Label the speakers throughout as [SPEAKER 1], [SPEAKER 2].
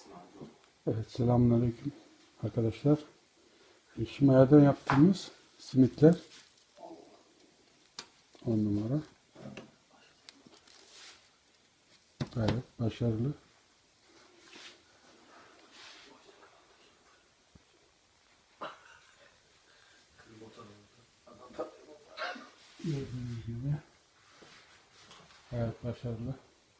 [SPEAKER 1] Evet, selamünaleyküm arkadaşlar. Şimaya'dan yaptığımız simitler 10 numara. Gayet başarılı. Gördüğünüz gibi gayet başarılı.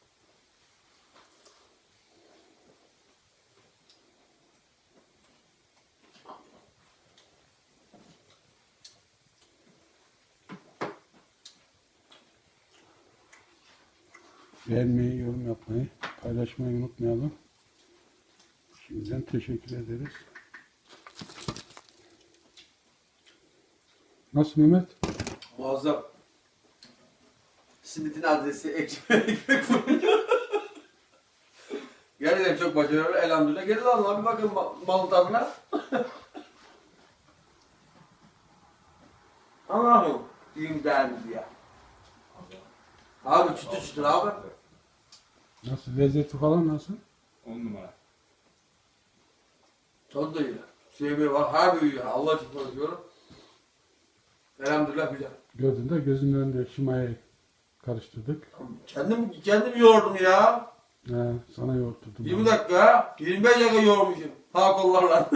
[SPEAKER 1] Beğenmeyi, yorum yapmayı, paylaşmayı unutmayalım. Şimdiden teşekkür ederiz. Nasıl Mehmet?
[SPEAKER 2] Muazzam. Simitin adresi ekmek fırını. Gerçekten çok başarılı. Elhamdülillah. Gelin Allah'a bir bakın malın tadına. Allah'ım. Diyeyim değerli ya. Abi çıtır çıtır abi.
[SPEAKER 1] Nasıl? Lezzeti falan nasıl?
[SPEAKER 3] 10 numara.
[SPEAKER 2] Tadı da iyi. Sevmeyi var. Her büyüyor. Allah için konuşuyorum. Elhamdülillah güzel.
[SPEAKER 1] Gördün de gözünün önünde Şimaya'yı karıştırdık.
[SPEAKER 2] Kendim yoğurdum ya.
[SPEAKER 1] Sana yoğurtturdum.
[SPEAKER 2] 20 dakika, 25 dakika yoğurmuşum. Sağ kollarla.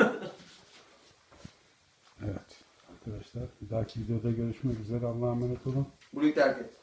[SPEAKER 1] Evet arkadaşlar, bir dahaki videoda görüşmek üzere. Allah'a emanet olun.
[SPEAKER 2] Burayı terk et.